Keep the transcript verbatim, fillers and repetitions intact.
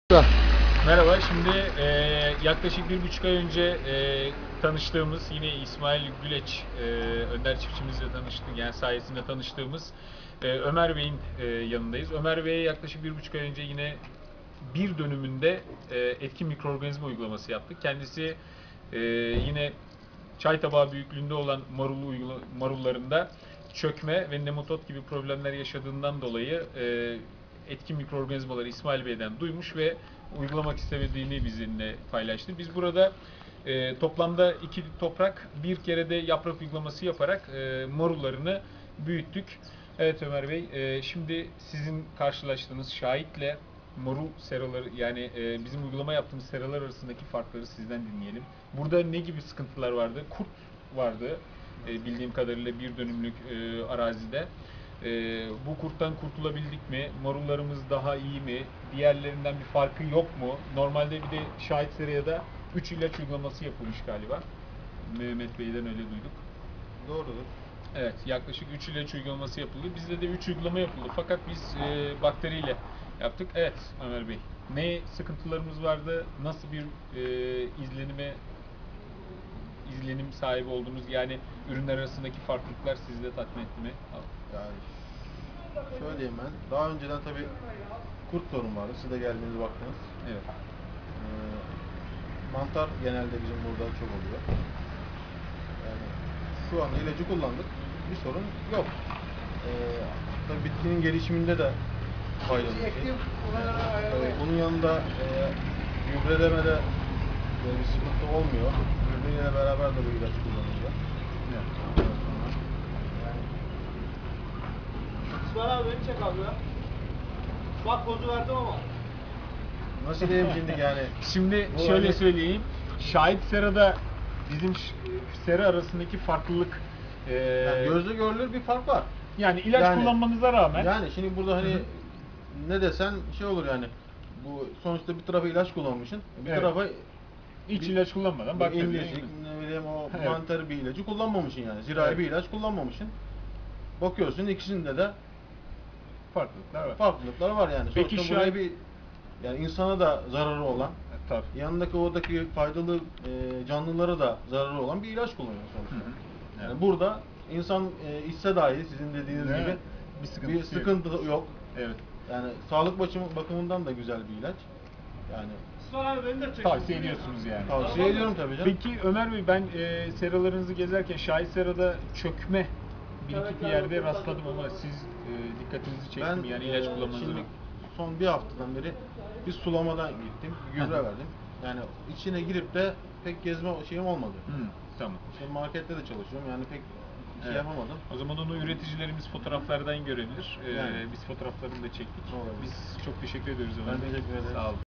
Merhaba, şimdi e, yaklaşık bir buçuk ay önce e, tanıştığımız, yine İsmail Güleç, e, Önder çiftçimizle tanıştık, yani sayesinde tanıştığımız e, Ömer Bey'in e, yanındayız. Ömer Bey'e yaklaşık bir buçuk ay önce yine bir dönümünde e, etkin mikroorganizma uygulaması yaptık. Kendisi e, yine çay tabağı büyüklüğünde olan marul uygula, marullarında çökme ve nematod gibi problemler yaşadığından dolayı e, etkin mikroorganizmaları İsmail Bey'den duymuş ve uygulamak istemediğini bizimle paylaştı. Biz burada e, toplamda iki toprak bir kere de yaprak uygulaması yaparak e, marullarını büyüttük. Evet Ömer Bey, e, şimdi sizin karşılaştığınız şahitle marul seraları, yani e, bizim uygulama yaptığımız seralar arasındaki farkları sizden dinleyelim. Burada ne gibi sıkıntılar vardı? Kurt vardı e, bildiğim kadarıyla bir dönümlük e, arazide. E, bu kurttan kurtulabildik mi? Marullarımız daha iyi mi? Diğerlerinden bir farkı yok mu? Normalde bir de şahit seraya da üç ilaç uygulaması yapılmış galiba. Mehmet Bey'den öyle duyduk. Doğrudur. Evet, yaklaşık üç ilaç uygulaması yapıldı. Bizde de üç uygulama yapıldı. Fakat biz e, bakteriyle yaptık. Evet Ömer Bey, ne sıkıntılarımız vardı? Nasıl bir e, izlenime izlenim sahibi oldunuz? Yani ürünler arasındaki farklılıklar sizi de tatmin etti mi? Yani söyleyeyim ben. Daha önceden tabii kurt sorun vardı. Siz de geldiğiniz baktınız. Evet. Ee, mantar genelde bizim burada çok oluyor. Yani şu an ilacı kullandık. Bir sorun yok. Ee, tabii bitkinin gelişiminde de faydalı bir şey. Yani, bunun yanında e, gübrelemede e, bir sıkıntı olmuyor. Gübreyle beraber de bu ilaç kullanılıyor. Evet. Yani İsmail abi beni çek abi ya. Bak pozu verdim ama. nasıl diyeyim şimdi yani? Şimdi Bu şöyle hani- söyleyeyim. Şahit serada bizim ş- sera arasındaki farklılık e, Yani gözle görülür bir fark var. yani ilaç Yani- kullanmanıza rağmen Yani şimdi burada hani Hı hı. ne desen şey olur yani. Bu sonuçta bir tarafa ilaç kullanmışsın. Bir Evet. tarafa hiç bir- ilaç kullanmadan bir bakteriye incecik, ne bileyim o Evet. mantar bir ilacı kullanmamışsın yani. Zirai Evet. bir ilaç kullanmamışsın. Bakıyorsun ikisinde de farklılıklar var. farklılıklar var yani. Peki Sonuçta şu buraya an- bir yani insana da zararı olan, Tabii. yanındaki oradaki faydalı e, canlılara da zararı olan bir ilaç kullanıyor sonuçta. Hı hı. Yani Evet. burada insan e, içse dahi sizin dediğiniz Evet. gibi Bir bir sıkıntısı sıkıntı, yok. yok. Evet. Yani sağlık bakımı- bakımından da güzel bir ilaç. Yani İsmail abi beni de çek. Tavsiye ediyorsunuz yani. tavsiye ediyorum tabii canım. Peki Ömer Bey, ben e, seralarınızı gezerken şahit serada çökme bir iki Evet, bir evet, yerde evet, rastladım evet. ama siz e, dikkatinizi çekti Ben mi? Yani ilaç e, kullanmanızı şimdi mı? son bir haftadan beri bir sulamadan gittim, bir gübre verdim. Yani içine girip de pek gezme şeyim olmadı. Hı, tamam. Şimdi markette de çalışıyorum yani pek şey Evet. yapamadım. O zaman onu üreticilerimiz fotoğraflardan görebilir. Ee, Yani. Biz fotoğraflarını da çektik. Olabilir. Biz çok teşekkür ediyoruz Ömer Ben Bey. teşekkür ederim. Sağ olun.